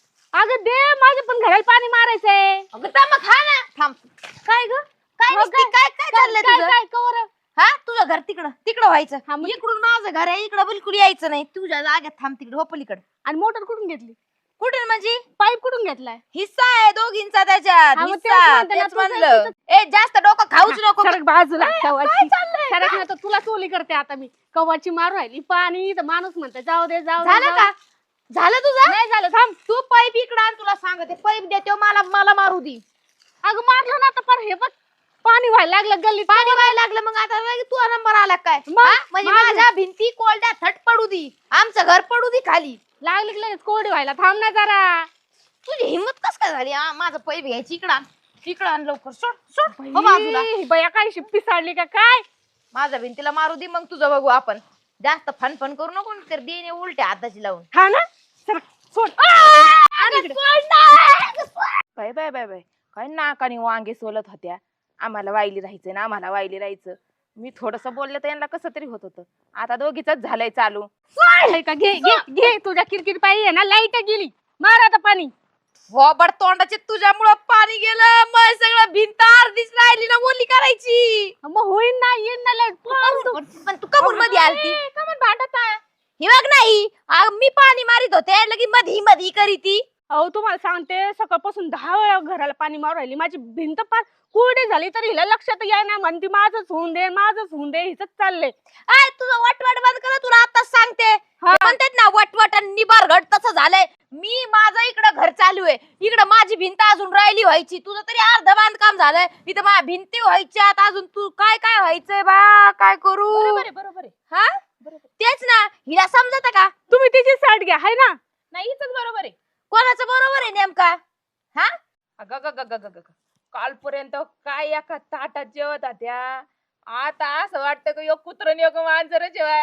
[SPEAKER 5] अगं दे माझ्या पण घराला पाणी मारायचंय.
[SPEAKER 1] अगं थांब खा ना. थांब.
[SPEAKER 5] काय ग
[SPEAKER 1] काय
[SPEAKER 5] हो
[SPEAKER 1] नुसती
[SPEAKER 5] काय?
[SPEAKER 1] काय काय चाललंय
[SPEAKER 5] काय
[SPEAKER 1] तुझं?
[SPEAKER 5] काय कवर
[SPEAKER 1] हा तुझं घर तिकडं तिकडं व्हायचं.
[SPEAKER 5] हा, मग-
[SPEAKER 1] इकडून माझं घर आहे इकडं बिलकुल यायचं नाही. तुझ्या जागेत थांब तिकडे हो पलीकडे.
[SPEAKER 5] आणि मोटर कुठून घेतली
[SPEAKER 1] कुठे म्हणजे
[SPEAKER 5] पाईप कुठून घेतलाय.
[SPEAKER 1] हिस्सा आहे दोघींचा त्याच्यात.
[SPEAKER 5] हा, मग तेच
[SPEAKER 1] हिस्सा
[SPEAKER 5] म्हणते ना,
[SPEAKER 1] तेच
[SPEAKER 5] तुझं
[SPEAKER 1] म्हणलं. ए जास्त डोकं खाऊच नको.
[SPEAKER 5] सरक बाजूला कवाची.
[SPEAKER 1] काय चाललंय?
[SPEAKER 5] सरक ना तर तुला चोली करते आता मी. कवाची मारू राहिली पाणी तर माणूस म्हणते जाऊ दे जाऊ दे,
[SPEAKER 1] झालं
[SPEAKER 5] जाऊ
[SPEAKER 1] का?
[SPEAKER 5] दे.
[SPEAKER 1] झालं तुझं?
[SPEAKER 5] नाही झालं थांब.
[SPEAKER 1] तू पाईप इकडं आण तुला सांगते. पाईप देतो मला मला मारू दे.
[SPEAKER 5] अगं मारलं ना तर पर हे बघ पाणी व्हायला लागलं गल्लीत.
[SPEAKER 1] पाणी व्हायला लागलं मग आता लगेच तुझा नंबर आला काय?
[SPEAKER 5] मग?
[SPEAKER 1] हा? म्हणजे
[SPEAKER 5] माझं-
[SPEAKER 1] माझ्या भिंती कोरड्या थट पडू दी. आमचं घर पडू दी खाली.
[SPEAKER 5] लागली की लगेच कोरडी व्हायला थांब ना जरा.
[SPEAKER 1] तुझी हिंमत कस काय झाली? हा, माझं पाईप घ्यायची इकडं आण. इकडं आण लवकर. सोड सोड हो बाजूला.
[SPEAKER 5] ही बया काय शिप्पी साडली का काय.
[SPEAKER 1] माझ्या भिंतीला मारू दे मग तुझं बघू आपण. जास्त फन फन करू नको तर देणे उलट्या हाताची लावून.
[SPEAKER 5] हा ना सरक सोड.
[SPEAKER 1] अगं सोड ना. बाय बाय बाय बाय काय नाकाने वांगे सोलत होत्या. आम्हाला वाईली राहायचं ना आम्हाला वाईली राहायचं. मी थोडस बोलले तर यांना कसं तरी होत होतं. आता दोघीच झालंय चालू.
[SPEAKER 5] हाय का घे घे घे तुझ्या किरकिर पायी आहे ना लाईट गेली. मार आता पाणी.
[SPEAKER 1] वॉबड तोंडाचे तुझ्यामुळं पाणी गेलं. मग सगळं भिंत अर्धीच राहिली ना ओली करायची.
[SPEAKER 5] मग होईन ना येईन ना लाईट.
[SPEAKER 1] पण पण तू कमून मध्ये आलती.
[SPEAKER 5] कमन भांडत आहे.
[SPEAKER 1] हे बघ नाही आ, मी पाणी मारित होते लगी मधी मधी करीती.
[SPEAKER 5] अहो तुम्हाला सांगते सकाळपासून दहा वेळा घराला पाणी मारू राहिली. माझी भिंत पार कोरडी झाली तरी हिला लक्षात याय ना म्हणती माझंच होऊन दे माझंच होऊन दे हिच चाललंय.
[SPEAKER 1] आय तुझं वटवट बंद कर. तुला आताच सांगते.
[SPEAKER 5] हा.
[SPEAKER 1] ते म्हणतात ना वटवट आणि निबारगड तसं झालंय. मी माझं इकडं घर चालू आहे. इकडं माझी भिंत अजून राहिली व्हायची. तुझं तरी अर्ध बांधकाम झालंय. इथं माझ्या भिंती व्हायच्यात अजून. तू काय काय व्हायचंय बा काय करू?
[SPEAKER 2] बरोबर आहे बरोबर आहे.
[SPEAKER 1] हा तेच ना. हिला समजत का?
[SPEAKER 5] तुम्ही तिची साईड घ्या हाय ना.
[SPEAKER 2] नाही हिचंच बरोबर आहे.
[SPEAKER 1] कोणाचं बरोबर आहे नेमका? हा
[SPEAKER 2] अगं ग ग ग ग ग. कालपर्यंत काय एका ताटात जेवत होत्या. आता असं वाटतं की एक कुत्र आणि एक मांजर जेवाय.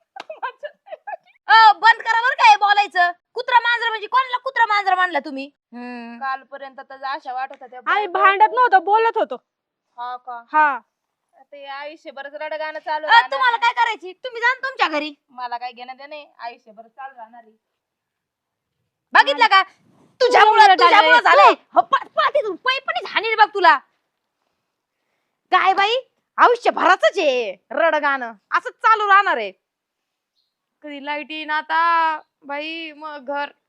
[SPEAKER 1] अ, बंद करा बरं काय बोलायचं. कुत्रा मांजर म्हणजे कोणाला कुत्रा मांजर मानला तुम्ही?
[SPEAKER 2] कालपर्यंत तर अशा वाटत होत्या.
[SPEAKER 5] आम्ही भांडत नव्हतो बोलत होतो.
[SPEAKER 2] हा का
[SPEAKER 5] हा
[SPEAKER 2] ते आयुष्यभरच रडगाणं चालू
[SPEAKER 1] अ,
[SPEAKER 2] राहणार.
[SPEAKER 1] तुम्हाला काय करायची? तुम्ही जा ना तुमच्या घरी.
[SPEAKER 2] मला काय घेणं देणे आयुष्यभर चालू राहणार आहे.
[SPEAKER 1] बघितलं का? तुझ्यामुळं
[SPEAKER 5] तुझ्यामुळं
[SPEAKER 1] तुझ्यामुळं
[SPEAKER 5] झालंय.
[SPEAKER 1] झालंय. हो, पा- पाठीतून पैपणीच हाणील बघ तुला. काय बाई आयुष्यभराच आहे रडगाणं असंच चालू राहणार आहे. कधी लाईट येईन आता बाई मग घर